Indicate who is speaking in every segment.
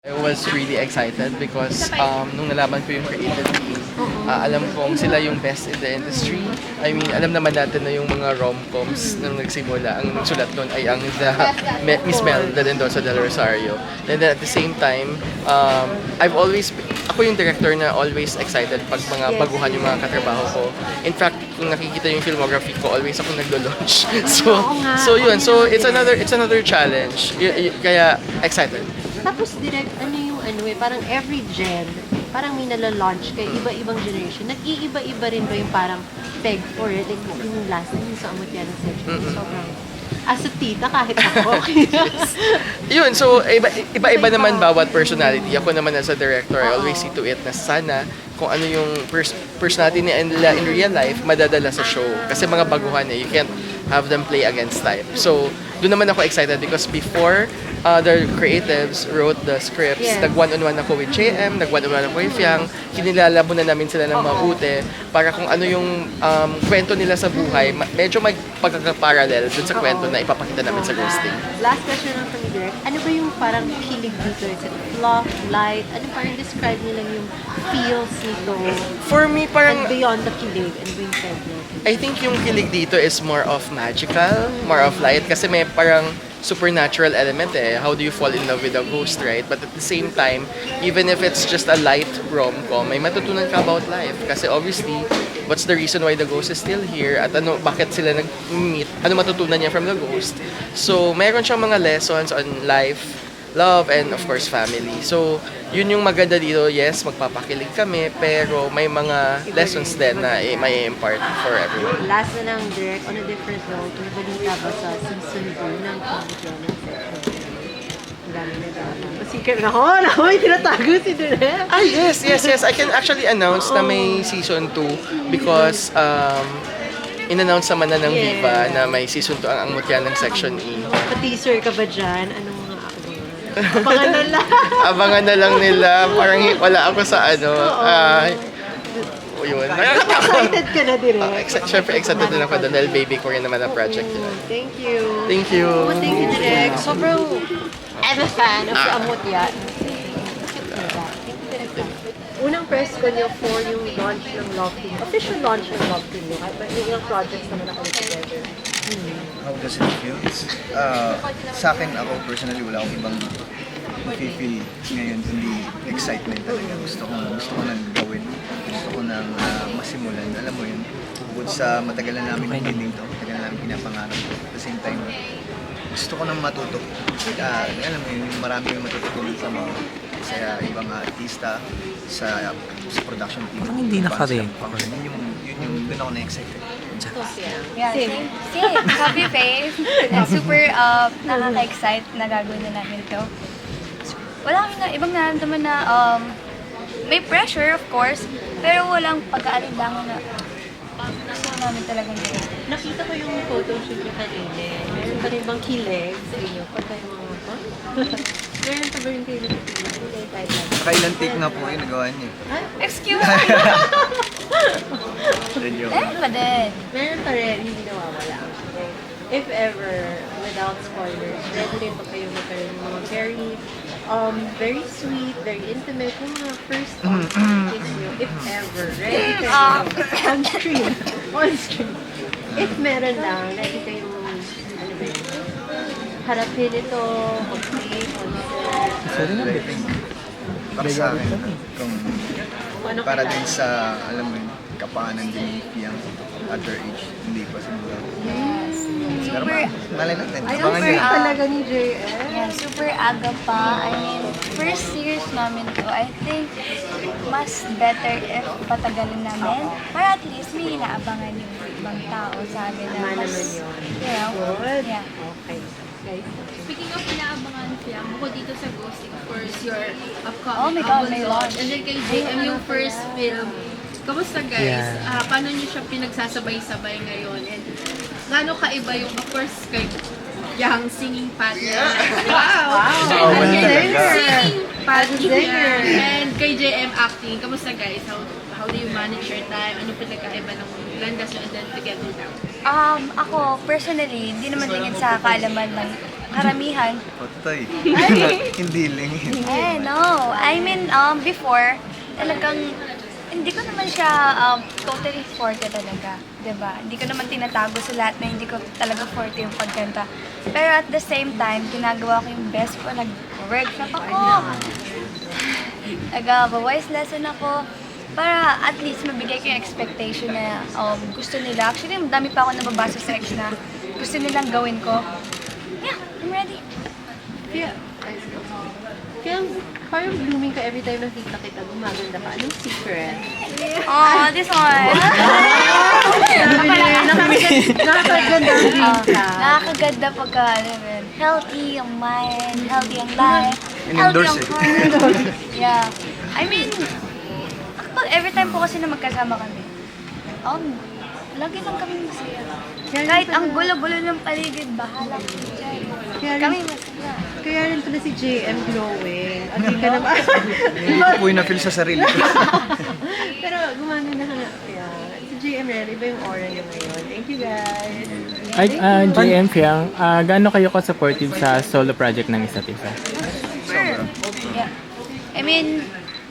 Speaker 1: I was really excited because nung nalaman ko yung creative team, alam kong sila yung best in the industry. I mean, alam naman natin na yung mga rom-coms nung nagsimula, ang nagsulat doon ay ang Miss Melda Mendoza del Rosario. And then at the same time, ako yung director na always excited pag mga baguhan yung mga katrabaho ko. In fact, kung nakikita yung filmography ko, always ako naglo-launch. So yun, so it's another challenge. Kaya excited.
Speaker 2: Tapos direct, parang every gen, parang may nala-launch kay iba-ibang generation. Nag-iiba-iba rin ba yung parang peg for it? Like yung last time, yung sa amot yan ng section, sobrang, as a tita, kahit ako.
Speaker 1: Yun, so iba-iba naman bawat personality. Ako naman as a director, I always see to it na sana kung ano yung personality nila in real life, madadala sa show. Kasi mga baguhan you can't have them play against time. So, doon naman ako excited because before the creatives wrote the scripts, nag-one-on-one ako with JM, nag-one-on-one ako with Fiang, kinilala muna namin sila ng mabuti para kung ano yung kwento nila sa buhay, medyo may pagkakaparallel dun sa kwento na ipapakita namin sa ghosting.
Speaker 2: Last question lang from direct, ano ba yung parang kilig dito? Is it fluff, light? Ano parang describe nilang yung feels nito?
Speaker 1: For me, parang
Speaker 2: And beyond the kilig, ano ba yung fed natin?
Speaker 1: I think yung kilig dito is more of magical, more of light, kasi may parang supernatural element How do you fall in love with a ghost, right? But at the same time, even if it's just a light rom-com, may matutunan ka about life. Kasi obviously, what's the reason why the ghost is still here? At bakit sila nag-meet? Ano matutunan niya from the ghost? So, mayroon siyang mga lessons on life, love, and of course, family. So, yun yung maganda dito. Yes, magpapakilig kami, pero may mga lessons din na may impart for everyone.
Speaker 2: Last na lang, direct, on a different note, may balita ba sa season 2 ng Comedy ng section? Ang dami na drama. Secret na ako! May tinatago si direct!
Speaker 1: Yes. I can actually announce na may season 2 because in-announce naman na ng Viva na may season 2 ang Mutya ng Section E.
Speaker 2: Pa-teaser ka ba dyan? Anong mga abangan na lang?
Speaker 1: Abangan na lang nila. Parang wala ako sa yun.
Speaker 2: Excited ka na direct?
Speaker 1: Siyempre, excited din ako doon dahil baby ko rin naman ang project yun.
Speaker 2: Thank you.
Speaker 1: Thank you.
Speaker 2: Thank you, direct. Sobrang, I'm a fan of the Amutya. Unang press ko niyo for yung launch ng Love Team. Official launch ng Love Team niyo. Kahit may ilang projects naman ako together.
Speaker 3: How does it feel? Sa akin, ako personally, wala akong ibang feel ngayon, kundi excitement talaga. Gusto ko nang gawin. Gusto ko nang masimulan. Alam mo yun, bukod sa matagal na namin hindi to, matagal na namin pinapangarap ko. At the same time, gusto ko nang matuto. Alam mo yun, marami yung matututunan sa mga sa ibang artista, sa production team.
Speaker 4: Parang hindi naka-ring.
Speaker 3: Yun yung doon ako na-excited.
Speaker 5: Yeah, same. Happy face. And super nakaka-excite na gagawin na namin to. Wala kami na ibang nararamdaman na may pressure, of course, pero walang pag-aalinlangan na gusto namin talagang gawin.
Speaker 2: Nakita ko yung photo shoot niyo kanina. Meron pa rin bang kilig sa inyo? Pagka yung mga meron pa ba rin kayo na kilig?
Speaker 3: Nakailan take nga po kayo nagawa niyo?
Speaker 5: Excuse me! Meron pa din.
Speaker 2: Meron pa rin, hindi nawawala. Okay. If ever, without spoilers, ready rin pa kayo magkaroon ng mga very sweet, very intimate, yung mga first kiss nyo, if ever, ready kayo on screen. On screen. If meron lang, ready kayo, ano ba yun, harapin ito, mag-play,
Speaker 3: I think, para sa akin, kung para din sa, alam mo yun, kapanan din yung other age, hindi pa siguro. Pero malay natin, abangan nyo.
Speaker 2: talaga ni JM.
Speaker 5: Yeah, super aga pa. I mean, first series namin to. I think mas better if patagalin namin. Para at least may inaabangan yung ibang tao sa amin na
Speaker 2: Tama
Speaker 5: mas,
Speaker 2: naman yun.
Speaker 5: you know,
Speaker 2: Good.
Speaker 5: yeah.
Speaker 2: Okay. Guys,
Speaker 6: Speaking of inaabangan film, bukod dito sa Ghosting, of course, your upcoming
Speaker 5: Oh my God,
Speaker 6: album
Speaker 5: may
Speaker 6: launch.
Speaker 5: launch.
Speaker 6: And then kay JM, yung first film. Kamusta guys?
Speaker 4: Yeah.
Speaker 6: Paano niyo siya pinagsasabay-sabay ngayon? And gaano kaiba yung, of course, kay Yang singing partner? Wow!
Speaker 3: Wow.
Speaker 6: Singing partner.
Speaker 2: Singer.
Speaker 6: And kay JM acting. Kamusta guys? How How do you manage your time? Ano pinagkaiba ng landas and then together now?
Speaker 5: Ako, personally, hindi naman lingid sa kaalaman ng karamihan.
Speaker 3: Patay. Hindi lingid.
Speaker 5: No. I mean, before, talagang, hindi ko naman siya totally forte talaga. 'Di ba? Hindi ko naman tinatago sa lahat na hindi ko talaga forte yung pagkanta. Pero at the same time, ginagawa ko yung best ko. Nag-workshop ako. Nag-voice lesson ako. Para at least mabigay ko yung expectation na gusto nila. Actually, madami pa ako nababasa sa ex na gusto nilang gawin ko. Yeah, I'm ready.
Speaker 2: Kaya parang blooming ka every time nakita kita, gumaganda ka. Anong secret?
Speaker 5: Oh, this one.
Speaker 2: Nakakaganda ang dream ka.
Speaker 5: Nakakaganda pagka, healthy ang mind, healthy ang life, healthy
Speaker 3: In-endorse
Speaker 5: ang heart. Yeah. I mean, kapag every time po kasi na magkasama kami, lagi lang kami masaya. Kahit ang gulo-gulo ng paligid, bahala kami dyan. Kami masaya.
Speaker 2: Kaya rin pala si JM glowing. At di ka naman.
Speaker 3: Hindi ko po yung na-feel sa sarili ko.
Speaker 2: Pero gumaganda ka nga. Kaya si JM rin, iba yung aura niya ngayon. Thank you guys.
Speaker 4: Ay, JM Fiang, gaano kayo ka-supportive sa solo project ng isa't isa?
Speaker 5: Sure. Yeah. I mean,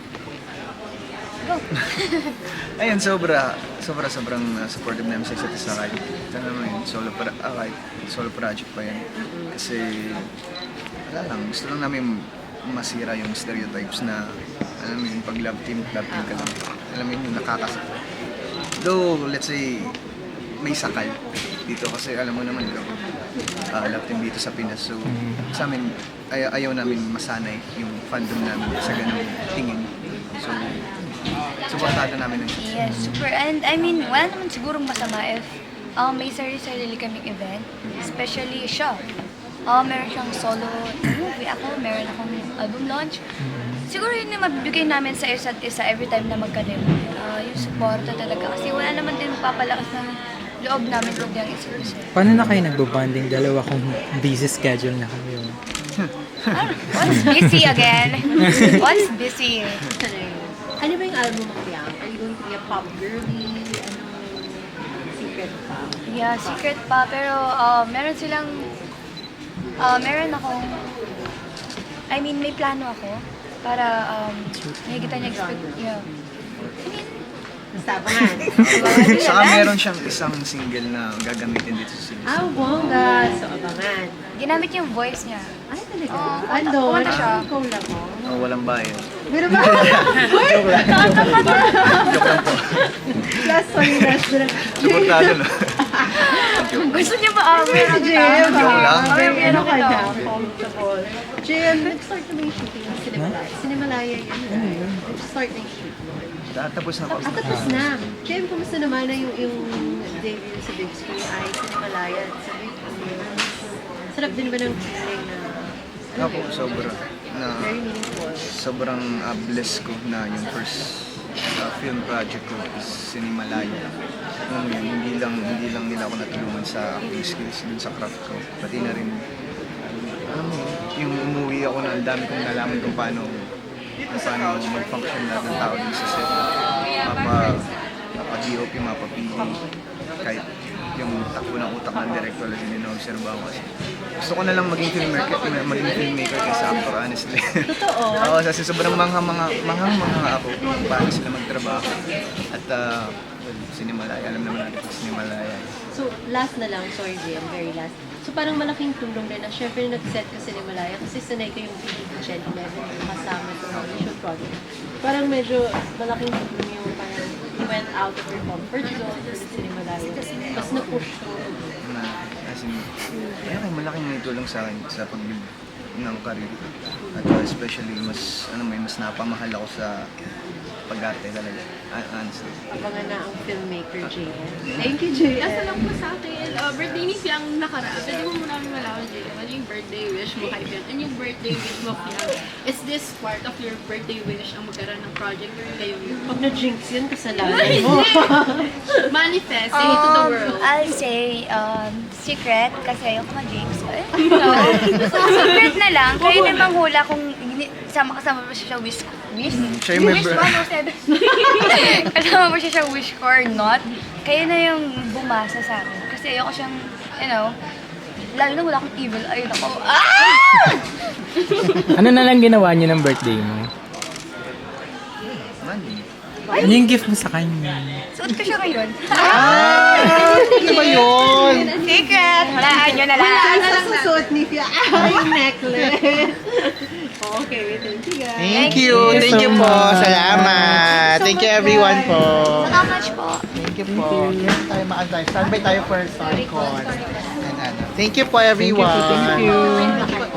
Speaker 5: go.
Speaker 3: Ayun, sobrang supportive namin sa isa't isa kahit kahit solo project pa yan. Kasi, wala lang, gusto lang namin masira yung stereotypes na, alam mo yun, pag love team ka lang. Alam mo yun, yung nakakasakit. Though, let's say, may sakal dito kasi alam mo naman love team dito sa Pinas. So, sa amin, ayaw namin masanay yung fandom namin sa ganung tingin. So, supportado namin ng
Speaker 5: Yes, super. And I mean, wala naman sigurong masama if may sarili-sarili kaming event. Especially siya. Meron siyang solo movie ako, meron akong album launch. Siguro yun yung mabibigay namin sa isa't isa every time na magkalim. Yung suporta talaga. Kasi wala naman din papalakas ng loob namin kundi ang isa't isa.
Speaker 7: Paano na kayo nagbo-bonding? Dalawa kong busy schedule na kayo.
Speaker 5: What's busy again? What's busy?
Speaker 2: Ano ba yung album mo kaya? Are you going to be a pop girly? Secret pa?
Speaker 5: Yeah, secret pa. Pero meron silang, meron akong, I mean, may plano ako para nakikita niya expect, yeah. I mean,
Speaker 2: Basta abangan.
Speaker 3: Saka meron siyang isang single na gagamitin dito sa series.
Speaker 2: Bongga. So, abangan.
Speaker 5: ginamit yung voice niya.
Speaker 2: Ay, talaga?
Speaker 5: Kumanta
Speaker 2: Andon?
Speaker 5: siya.
Speaker 2: Ikaw lang mo?
Speaker 3: Walang bayad.
Speaker 2: Meron ba?
Speaker 3: Joke lang po.
Speaker 2: Last sorry, last lang.
Speaker 3: Suportado no?
Speaker 5: Gusto niya ba? Meron
Speaker 2: Jim,
Speaker 5: ka.
Speaker 3: Joke lang.
Speaker 2: ano ka na? Comfortable. Jim, nag-start na ba yung shooting ng Cinemalaya? Cinemalaya yun. Nag-start na yung shooting.
Speaker 3: Tapos na po.
Speaker 2: Tapos na. Jim, kumusta naman na yung debut sa big screen ay Cinemalaya at sa big screen? Sarap din ba ng feeling na
Speaker 3: Ako, sobra.
Speaker 2: very meaningful?
Speaker 3: Sobrang blessed ko na yung first film project ko is Cinemalaya. Alam mo yun, hindi lang nila ako natulungan sa acting skills dun sa craft ko. Pati na rin, alam mo yun, yung umuwi ako na ang dami kong nalaman kung paano mag-function lahat ng tao dun sa set. Mapa-DOP, mapa-PA, kahit yung takbo ng utak ng director lang din na-observa ko kasi. Gusto ko na lang maging filmmaker kaysa actor, honestly.
Speaker 2: Totoo?
Speaker 3: Oo, kasi sobrang manghang-manga ako kung paano sila magtrabaho. At Cinemalaya, alam naman natin kung Cinemalaya.
Speaker 2: So, last na lang, sorry Jim, very last. So, parang malaking tulong rin na syempre nag-set ka Cinemalaya kasi sanay ko yung PDP 11 yung kasama sa shoot project. Parang medyo malaking tulong yung parang you went out of your comfort zone for the Cinemalaya. Tapos na-push ko.
Speaker 3: As in, malaking tulong sa akin sa pag-build ng career. At especially, mas napamahal ako sa pag-arte talaga. Honestly.
Speaker 2: Abangan na ang filmmaker, JM. Thank you, JM.
Speaker 6: Nasa lang po sa akin, birthday ni Fiang nakaraan. Pwede mo muna namin malaman, JM, ano yung birthday wish mo kay Fiang? Ano yung birthday wish mo, Fiang? Is this part of your birthday wish ang magkaroon ng project kayo yun?
Speaker 2: Pag na-jinx yun, kasalanan mo.
Speaker 6: Manifest, say it to the world.
Speaker 5: I'll say, secret, kasi ayoko mag-jinx. Secret na lang. Kayo na manghula kung kasama mo siya sa wish
Speaker 3: siya yung
Speaker 5: wish
Speaker 3: member.
Speaker 5: 107. Kasama mo siya sa wish ko or not, kayo na yung bumasa sa akin. Kasi ayoko siyang, you know, lalo na wala akong evil eye. Ako,
Speaker 4: Ano na lang ginawa niyo ng birthday mo?
Speaker 3: Money.
Speaker 7: Ano yung gift mo sa kanya?
Speaker 5: suot ko siya ngayon.
Speaker 3: Ano ba yun?
Speaker 5: Secret! Walaan nyo na lang.
Speaker 2: Ang susuot ni Fia. Yung necklace. Okay, thank you guys.
Speaker 3: Thank you. Thank you po. Salamat. Thank you everyone po.
Speaker 5: How much po?
Speaker 3: Thank you po. Tayo maantay. Standby tayo for Starcon. Thank you po everyone.
Speaker 4: Thank you.